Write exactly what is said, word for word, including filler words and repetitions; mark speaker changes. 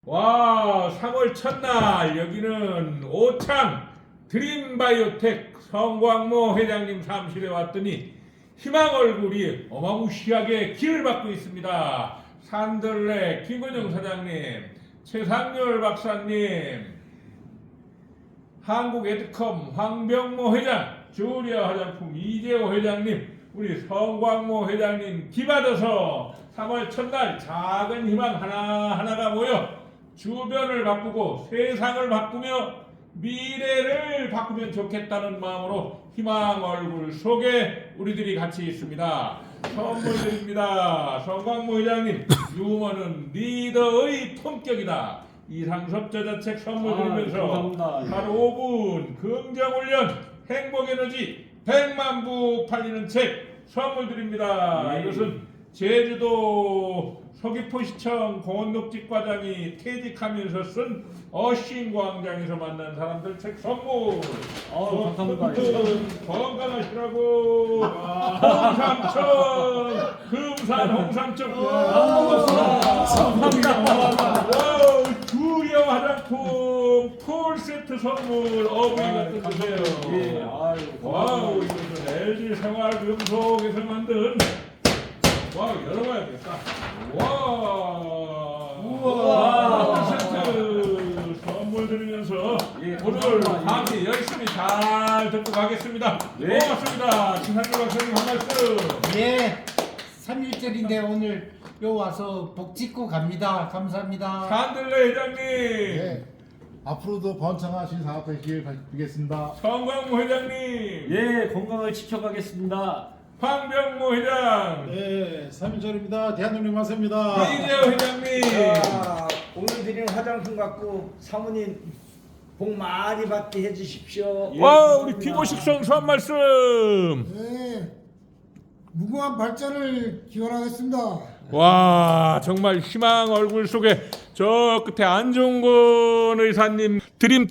Speaker 1: 와, 삼월 첫날 여기는 오창 드림바이오텍 성광모 회장님 사무실에 왔더니 희망 얼굴이 어마무시하게 길을 받고 있습니다. 산들레 김건영 사장님, 최상열 박사님, 한국에드컴 황병모 회장, 주리아 화장품 이재호 회장님, 우리 성광모 회장님 기받아서 삼월 첫날 작은 희망 하나하나가 모여 주변을 바꾸고 세상을 바꾸며 미래를 바꾸면 좋겠다는 마음으로 희망 얼굴 속에 우리들이 같이 있습니다. 선물 드립니다. 성광모 회장님, 유머는 리더의 품격이다. 이상섭 저자책 선물 드리면서
Speaker 2: 아,
Speaker 1: 하루 오 분 긍정훈련 행복에너지 백만 부 팔리는 책 선물 드립니다.
Speaker 2: 네.
Speaker 1: 이것은 제주도 서귀포시청 공원녹지과장이 퇴직하면서 쓴 어신광장에서 만난 사람들 책 선물.
Speaker 2: 아유, 감사합니다.
Speaker 1: 아무튼 건강하시라고. 홍삼천 금산 홍삼천.
Speaker 2: 감사합니다.
Speaker 1: 와우, 주여 화장품 풀 세트 선물 어머니가 뜯으세요.
Speaker 2: 예, 아유,
Speaker 1: 와우,
Speaker 2: 고맙습니다.
Speaker 1: 이것은 엘지 생활금속에서 만든 와우, 열어봐야겠다. 와,
Speaker 2: 우와.
Speaker 1: 풀 세트 선물 드리면서
Speaker 2: 예,
Speaker 1: 오늘
Speaker 2: 감사합니다.
Speaker 1: 강의 열심히 잘 듣고 가겠습니다.
Speaker 2: 네.
Speaker 1: 고맙습니다. 신상규 박사님 한 말씀.
Speaker 3: 예, 삼 일절인데 오늘 요 와서 복 짓고 갑니다. 감사합니다.
Speaker 1: 산들레 회장님,
Speaker 4: 네. 앞으로도 번창하신 사업 되시길 빌겠습니다.
Speaker 1: 성광모 회장님,
Speaker 2: 예, 건강을 지켜가겠습니다.
Speaker 1: 황병모 회장,
Speaker 4: 네, 삼 일절입니다. 대한민국 마세입니다.
Speaker 1: 이재호 회장님.
Speaker 5: 자, 오늘 드리는 화장품 갖고 사모님 복 많이 받게 해주십시오.
Speaker 2: 예,
Speaker 1: 와, 우리
Speaker 2: 감사합니다.
Speaker 1: 피고식 선수 한 말씀.
Speaker 6: 네, 무궁한 발전을 기원하겠습니다.
Speaker 1: 와, 정말 희망 얼굴 속에 저 끝에 안종건 의사님 드림